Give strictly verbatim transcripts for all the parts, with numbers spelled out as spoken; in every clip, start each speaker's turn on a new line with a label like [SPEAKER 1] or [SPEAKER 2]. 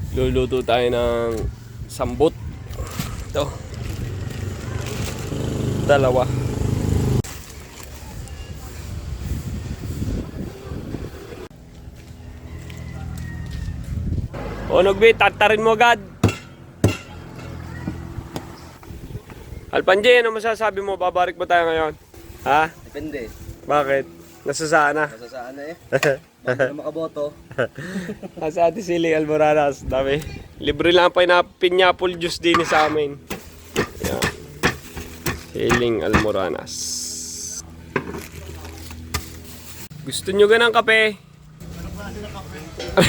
[SPEAKER 1] Luluto tayo ng sambot. Ito. Dalawa. O Nogbe, tatarin mo agad. Alpanje, ano masasabi mo? Babarik ba tayo ngayon? Ha?
[SPEAKER 2] Depende.
[SPEAKER 1] Bakit? Nasasaan na?
[SPEAKER 2] Nasa saan na eh. Bago na makaboto.
[SPEAKER 1] Nasa Ate Siling Almoranas. Dami. Libre lang pa na pineapple juice din sa amin. Yan. Siling Almoranas. Gusto nyo ganang kape? Ano ba sila kape?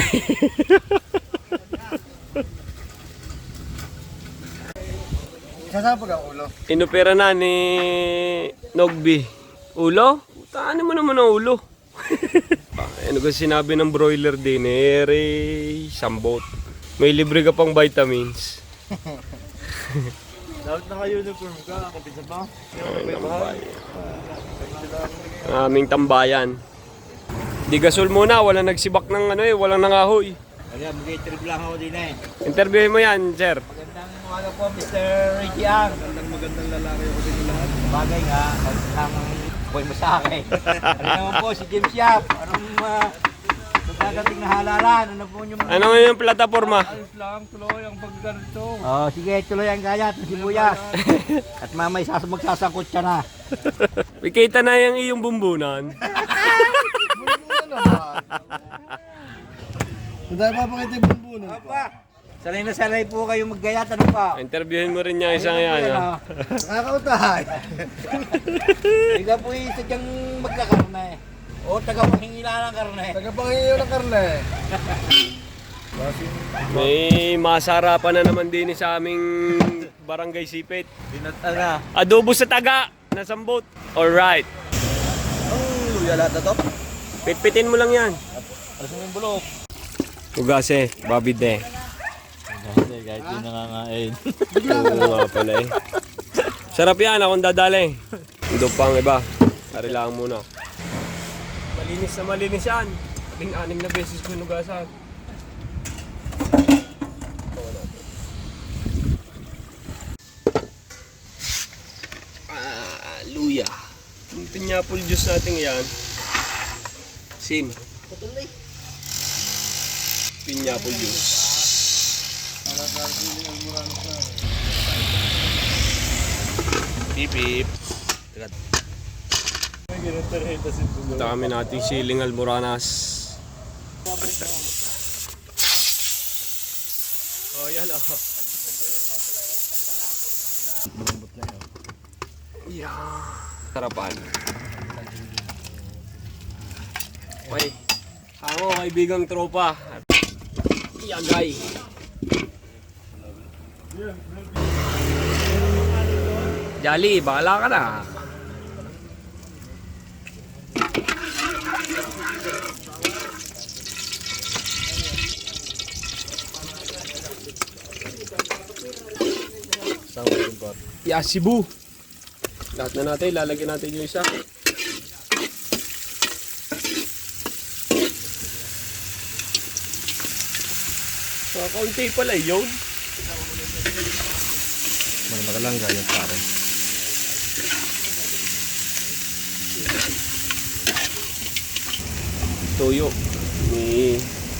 [SPEAKER 2] Sasabog ang ulo.
[SPEAKER 1] Inopera na ni Nogby. Ulo? Taan mo naman ang ulo. Ano kasi sinabi ng broiler din eh, Ray, sambot. May libre ka pang vitamins.
[SPEAKER 2] Dapat naka-uniform ka, kapisa pa.
[SPEAKER 1] Ang aming tambayan. Di gasol muna, walang nagsibak ng ano eh, walang nangahoy.
[SPEAKER 2] Kaya mag-i-trip lang ako din eh.
[SPEAKER 1] Interviewin mo yan, sir.
[SPEAKER 2] Magandang umaga po, Mister Reggie Ang. Magandang magandang lalaki ako din lahat. Bagay nga, magsamang boy mo sa akin. Ano naman po, si James Yap. Anong uh, magkagating na halalan? Ano po yung...
[SPEAKER 1] Ano nga yung plataforma?
[SPEAKER 2] Ayos lang, tuloy ang pagganito. Oh, sige, tuloy ang gayat ng sibuyas. At mamay sas magsasangkot siya na.
[SPEAKER 1] Ikita na yung iyong bumbunan.
[SPEAKER 2] Bumbunan naman. Hindi pa pakita yung bumbunan. Apa, sanay na sanay po kayo maggayat. Ano pa?
[SPEAKER 1] Interviewin mo rin niya isang yan. Ha?
[SPEAKER 2] Nakakautahay. Ikaw po yung sadyang magkakarne. O taga-pahingila ng karne. Taga-pahingila ng karne.
[SPEAKER 1] May masarapan na naman din sa aming barangay Sipit.
[SPEAKER 2] Binata na.
[SPEAKER 1] Adobo sa taga na sambot. Alright.
[SPEAKER 2] Ang luya lahat na to.
[SPEAKER 1] Pitpitin mo lang yan.
[SPEAKER 2] Alas mo yung bulok.
[SPEAKER 1] Ugase, Bobby De.
[SPEAKER 2] Kasi kahit yung nangangain.
[SPEAKER 1] Oo nga pala eh. Sarap yan, akong dadali. Ito pang iba. Ari lang muna. Malinis na malinis yan. Ating-anim na beses ko nugasan. Ah, luya. Yung pineapple juice natin yan. Sim. Pineapple juice. Beep beep. Dami nating siling Almoranas. Oh, yan oh. Yeah. Sarapan. Okay. Ako, kaibigang tropa. Yagay. Jolly, bakala ka na. Yeah, Cebu. Lahat na natin, lalagyan natin yung isa. So, kaunti pala yun.
[SPEAKER 2] Maganda ka lang ganyan pare.
[SPEAKER 1] Toyo. Ni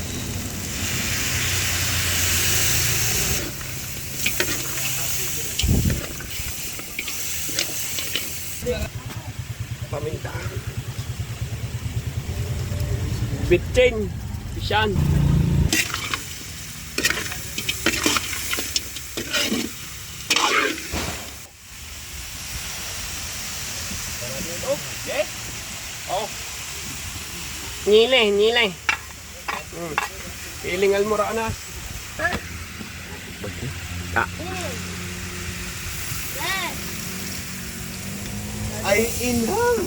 [SPEAKER 1] paminta. Bitchin. Pisyan. Okay. Oh. Nile, nile. Hmm. Piling Almoranas. Ah. Ay, inhang.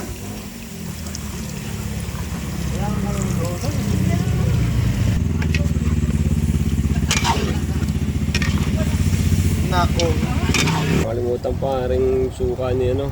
[SPEAKER 2] Nako.
[SPEAKER 1] Kalimutan pa rin suka niya, no?